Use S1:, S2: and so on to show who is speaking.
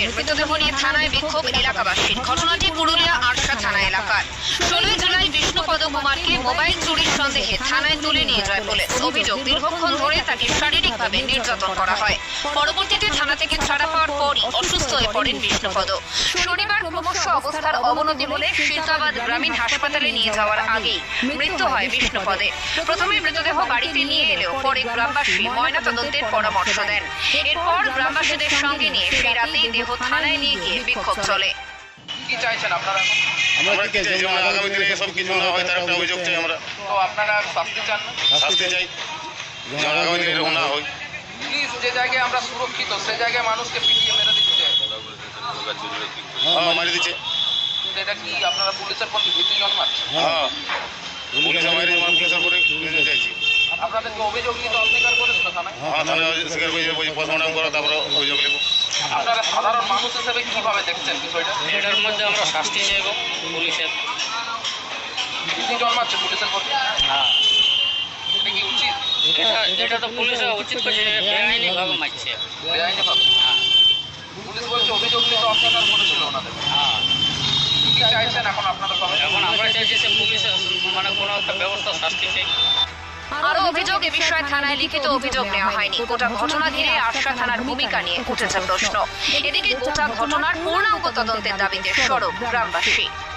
S1: যুবকের মৃতদেহ নিয়ে থানায় বিক্ষোভ এলাকাবাসীর। ঘটনাটি পুরুলিয়া আরশা থানা এলাকার। 16 জুলাই বিষ্ণুপদ কুমারকে মোবাইল চুরির সন্দেহে থানায় তুলে নিয়ে যায় পুলিশ। অভিযোগ, দীর্ঘক্ষণ ধরে তাকে শারীরিকভাবে নির্যাতন করা হয়। পরবর্তীতে থানা থেকে ছাড়া পাওয়ার পরই অসুস্থ হয়ে পড়েন বিষ্ণুপদ। শনিবার ক্রমশ অবস্থার অবনতি হলে শীতাবাদ গ্রামীণ হাসপাতালে নিয়ে যাওয়ার আগেই মৃত্যু হয় বিষ্ণুপদের। প্রথমে মৃতদেহ বাড়িতে নিয়ে এলেও পরে গ্রামবাসী ময়নাতদন্তের পরামর্শ দেন। এরপর গ্রামবাসীদের সঙ্গে নিয়ে সেই রাতেই দেহ থানায় নিয়ে গিয়ে বিক্ষোভ চলে।
S2: কি চাইছেন আপনারা?
S3: আমরা কি চাই, যেমন আগামী দিনে সব কিছু না হয় তার একটা অভিযোগ চাই আমরা।
S2: তো আপনারা শাস্তি চান না?
S3: শাস্তি চাই, যেন আগামী দিনে এরকম না হয়।
S2: পুলিশ যে জায়গায় আমরা সুরক্ষিত সে জায়গায় মানুষকে পিটিয়ে মেরে দিচ্ছে,
S3: মারি দিচ্ছে।
S2: কিন্তু এটা কি আপনারা পুলিশের প্রতি ভীতি জন্মাচ্ছে?
S3: হ্যাঁ, পুলিশ আমাদের পুলিশের করে চাইছি।
S2: আপনাদেরকে অভিযোগ নিতে অস্বীকার করেছিল থানায়?
S3: হ্যাঁ, থানায় স্বীকার করে পোস্টমর্টম করা, তারপরে অভিযোগ নেব।
S2: আপনারা সাধারণ মানুষ হিসেবে কিভাবে দেখছেন বিষয়টা?
S4: এটার মধ্যে আমরা শাস্তি চাইব পুলিশের।
S2: ভীতি জন্মাচ্ছে পুলিশের প্রতি,
S4: হ্যাঁ,
S2: এটা কি উচিত?
S4: এটা তো পুলিশের উচিত করছে, বেআইনিভাবে মারছে।
S2: বেআইনিভাবে পুলিশ বলছে অভিযোগ নিতে অস্বীকার করেছিল ওনাদের।
S4: হ্যাঁ,
S2: কি চাইছেন এখন আপনারা সবাই?
S4: এখন আমরা চাইছি যে পুলিশের মানে কোনো একটা ব্যবস্থা, শাস্তি চাই।
S1: আরো অভিযোগ, এ বিষয়ে থানায় লিখিত অভিযোগ নেওয়া হয়নি। গোটা ঘটনা ঘিরে আরশা থানার ভূমিকা নিয়ে উঠেছে প্রশ্ন। এদিকে গোটা ঘটনার পূর্ণাঙ্গ তদন্তের দাবিতে সরব গ্রামবাসী।